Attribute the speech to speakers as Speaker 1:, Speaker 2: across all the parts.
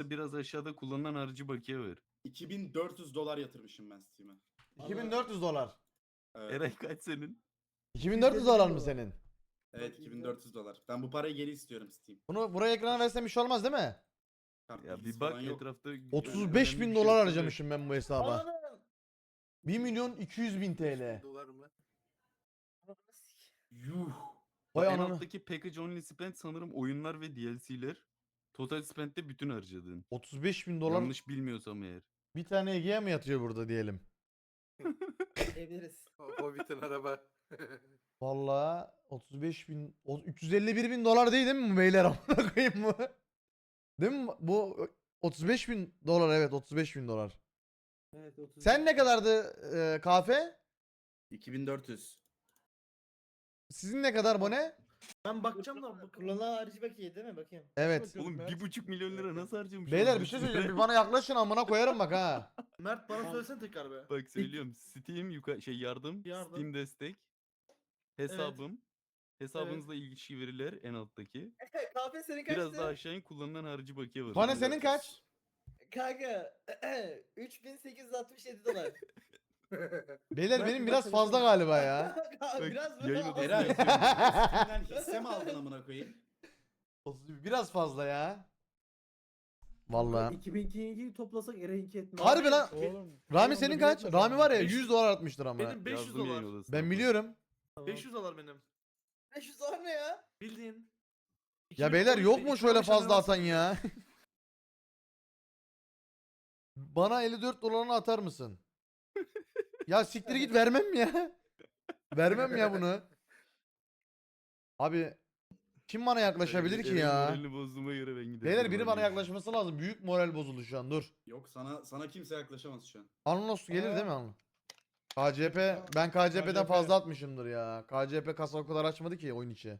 Speaker 1: biraz aşağıda kullanılan harcı bakiye var.
Speaker 2: 2400 dolar yatırmışım ben Steam'e.
Speaker 3: 2400 dolar.
Speaker 2: Evet.
Speaker 1: Eray kaç senin?
Speaker 3: 2400 dolar mı senin?
Speaker 2: Evet 2400 dolar. Ben bu parayı geri istiyorum Steam.
Speaker 3: Bunu buraya ekrana versem bir şey olmaz değil mi?
Speaker 2: Kart
Speaker 1: Ya
Speaker 2: bilgisi
Speaker 1: bir bak
Speaker 2: falan yok.
Speaker 1: etrafta.
Speaker 3: 35
Speaker 1: önemli
Speaker 3: bin
Speaker 1: bir şey
Speaker 3: dolar
Speaker 1: yok.
Speaker 3: harcamışım ben bu hesaba.
Speaker 4: Ananı.
Speaker 3: 1 milyon 200 bin TL.
Speaker 4: Dolar mı?
Speaker 2: Yuh.
Speaker 3: Vay
Speaker 1: En
Speaker 3: ananı.
Speaker 1: alttaki package only spend sanırım oyunlar ve DLC'ler. Total spend'de bütün harcadığın.
Speaker 3: 35 bin dolar
Speaker 1: Yanlış bilmiyorsam eğer.
Speaker 3: bir tane Ege'ye mi yatıyor burada diyelim?
Speaker 5: Diyebiliriz.
Speaker 4: Hobbit'in araba.
Speaker 3: Vallahi 35 bin, 351 bin dolar değil mi bu beyler amına koyayım mı? Değil mi? Bu 35 bin dolar, evet 35 bin dolar.
Speaker 5: Evet 30.
Speaker 3: Sen ne kadardı kahve?
Speaker 2: 2400.
Speaker 3: Sizin ne kadar bu ne?
Speaker 5: Ben bakacağım da kullanılan harici bakiye değil mi? Bakayım.
Speaker 3: Evet.
Speaker 1: Oğlum 1,5 milyon lira nasıl harcamış?
Speaker 3: Beyler
Speaker 1: oğlum
Speaker 3: bir şey
Speaker 1: bu
Speaker 3: söyleyeceğim.
Speaker 1: süre?
Speaker 3: Bir bana yaklaşın amına koyarım bak ha.
Speaker 5: Mert bana söylesene tekrar be.
Speaker 1: Bak söylüyorum. Steam yardım,
Speaker 5: Yardım.
Speaker 1: Steam destek, hesabım, hesabınızla ilişki veriler en alttaki.
Speaker 5: Kahve senin
Speaker 1: Biraz daha aşağı in kullanılan harcı bakiye var.
Speaker 3: Bana senin
Speaker 2: 2400.
Speaker 3: kaç?
Speaker 5: Kanka 3867 dolar.
Speaker 3: Beyler benim biraz fazla galiba ya.
Speaker 5: Biraz
Speaker 1: yayın
Speaker 5: mı?
Speaker 1: odası-
Speaker 2: Eray
Speaker 1: yazıyor.
Speaker 2: Steam'den hisse mi aldın amına koyayım?
Speaker 3: Biraz fazla ya. Vallahi.
Speaker 5: 2002'yi toplasak Eray'inki etmez.
Speaker 3: Harbi lan.
Speaker 6: Oğlum.
Speaker 3: Rami senin kaç? Rami var ya 100 dolar atmıştır ama.
Speaker 6: Benim 500
Speaker 1: Yazdım yayın
Speaker 6: dolar.
Speaker 1: odasına.
Speaker 3: Ben biliyorum.
Speaker 6: 500 dolar benim.
Speaker 5: 500 dolar ne ya?
Speaker 6: Bildiğin.
Speaker 3: Ya beyler yok mu
Speaker 6: 2013
Speaker 3: şöyle
Speaker 6: 2015
Speaker 3: fazla atan
Speaker 6: arası.
Speaker 3: ya? Bana 54 dolarını atar mısın? Ya siktir git vermem ya. Vermem ya bunu. Abi kim bana yaklaşabilir ki
Speaker 1: Eray'ın
Speaker 3: ya?
Speaker 1: moralini bozduğuma göre ben giderim.
Speaker 3: Beyler biri bana yaklaşması lazım. Büyük moral bozuldu şu an. Dur.
Speaker 2: Yok sana kimse yaklaşamaz şu an.
Speaker 3: Anlos gelir değil mi Anlos? KCP ben KCP'den
Speaker 6: KCP.
Speaker 3: fazla atmışımdır ya. KCP kasa o kadar açmadı ki oyun içi.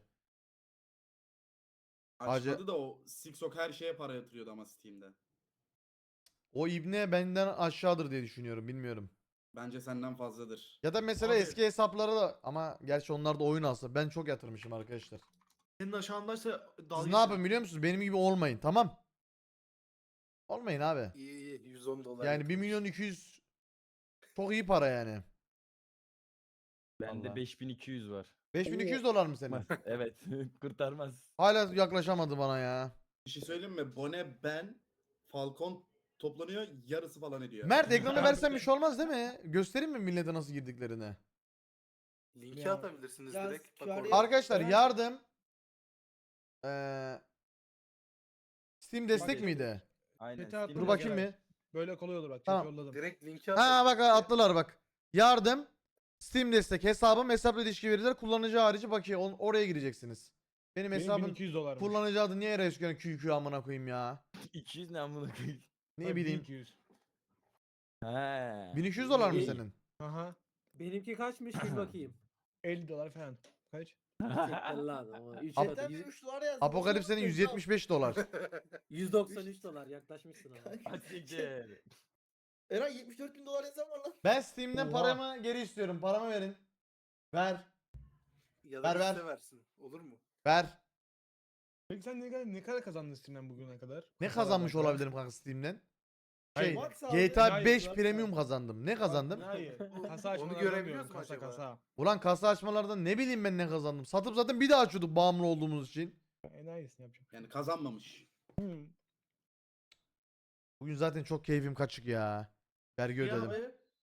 Speaker 2: Açmadı da o Sixok her şeye para yatırıyordu ama Steam'de.
Speaker 3: O ibne benden aşağıdır diye düşünüyorum. Bilmiyorum.
Speaker 2: Bence senden fazladır.
Speaker 3: Ya da mesela
Speaker 6: Abi-
Speaker 3: eski hesapları da ama gerçi onlar da oyun alsa. Ben çok yatırmışım arkadaşlar.
Speaker 6: Senin aşağındaysa
Speaker 3: Siz
Speaker 6: dalga
Speaker 3: ne yapın biliyor musunuz? Benim gibi olmayın, tamam? Olmayın abi.
Speaker 4: İyi 110 dolar.
Speaker 3: Yani 1 milyon 200 çok iyi para yani.
Speaker 7: Bende
Speaker 3: Vallahi.
Speaker 7: 5200 var.
Speaker 3: 5200 dolar mı senin?
Speaker 7: Evet. Kurtarmaz.
Speaker 3: Hala yaklaşamadı bana ya.
Speaker 2: Bir şey söyleyeyim mi? Bone, ben, Falcon toplanıyor yarısı falan ediyor.
Speaker 3: Mert ekranı versen bir şey olmaz değil mi? Göstereyim mi millete nasıl girdiklerini?
Speaker 4: Linki
Speaker 5: Ya,
Speaker 4: atabilirsiniz
Speaker 5: ya
Speaker 4: direkt. Bak
Speaker 5: QR
Speaker 4: orada.
Speaker 3: Arkadaşlar
Speaker 5: Ben-
Speaker 3: yardım. Steam destek
Speaker 6: Bak-
Speaker 3: miydi?
Speaker 7: Aynen.
Speaker 6: Chat'e attım
Speaker 3: Dur
Speaker 6: ya,
Speaker 3: bakayım
Speaker 6: Geray.
Speaker 3: bir.
Speaker 6: Böyle kolay olur bak.
Speaker 3: Tamam.
Speaker 6: Tamam. Yolladım.
Speaker 4: Direkt linki
Speaker 3: Ha
Speaker 4: atın.
Speaker 3: bak attılar bak. Yardım. Steam destek hesabım hesapla ilişki veriler kullanıcı harici bakiye oraya gireceksiniz. Benim
Speaker 6: Benim
Speaker 3: hesabım
Speaker 6: 1200 dolarmış.
Speaker 3: kullanıcı adı niye Resken QQ amına koyayım ya?
Speaker 7: 200 ne amına koyayım.
Speaker 3: Ne
Speaker 6: Hayır,
Speaker 3: bileyim.
Speaker 6: 1200.
Speaker 7: He.
Speaker 3: 1200 dolar mı
Speaker 5: İyi.
Speaker 3: senin?
Speaker 6: Aha.
Speaker 5: Benimki kaçmış bir bakayım.
Speaker 6: 50 dolar falan. Kaç?
Speaker 5: lan ama.
Speaker 3: Ap-
Speaker 5: 3 dolar yazdı.
Speaker 3: Apokalipsenin 175 dolar.
Speaker 5: 193 dolar yaklaşmışsın ama.
Speaker 7: Asiktir.
Speaker 5: Eray 74 bin dolar yazan var lan.
Speaker 3: Ben Steam'den
Speaker 6: Oha.
Speaker 3: paramı geri istiyorum. Paramı verin. Ver.
Speaker 4: Ya da
Speaker 3: Ver,
Speaker 4: liste versin. Olur mu?
Speaker 3: Ver.
Speaker 6: Peki sen ne kadar kazandın Steam'den bugüne kadar?
Speaker 3: Ne
Speaker 6: Kasalar
Speaker 3: kazanmış
Speaker 6: kadar.
Speaker 3: olabilirim kanka Steam'den?
Speaker 6: Hayır.
Speaker 3: Şey,
Speaker 5: Max abi.
Speaker 3: GTA
Speaker 6: Hayır,
Speaker 3: 5
Speaker 5: Max
Speaker 3: Premium
Speaker 5: abi.
Speaker 3: kazandım. Ne kazandım?
Speaker 6: Hayır. Kasa
Speaker 4: Onu
Speaker 6: açmalardan
Speaker 4: görebiliyoruz
Speaker 6: diyorum,
Speaker 4: mu
Speaker 6: kasa
Speaker 4: acaba?
Speaker 6: kasa.
Speaker 3: Ulan kasa açmalardan ne bileyim ben ne kazandım. Satıp zaten bir daha açıyorduk bağımlı olduğumuz için.
Speaker 6: Enayisini yapacağım.
Speaker 2: Yani kazanmamış.
Speaker 6: Hmm.
Speaker 3: Bugün zaten çok keyfim kaçık ya. Vergi
Speaker 5: Ya
Speaker 3: ödedim.
Speaker 5: abi.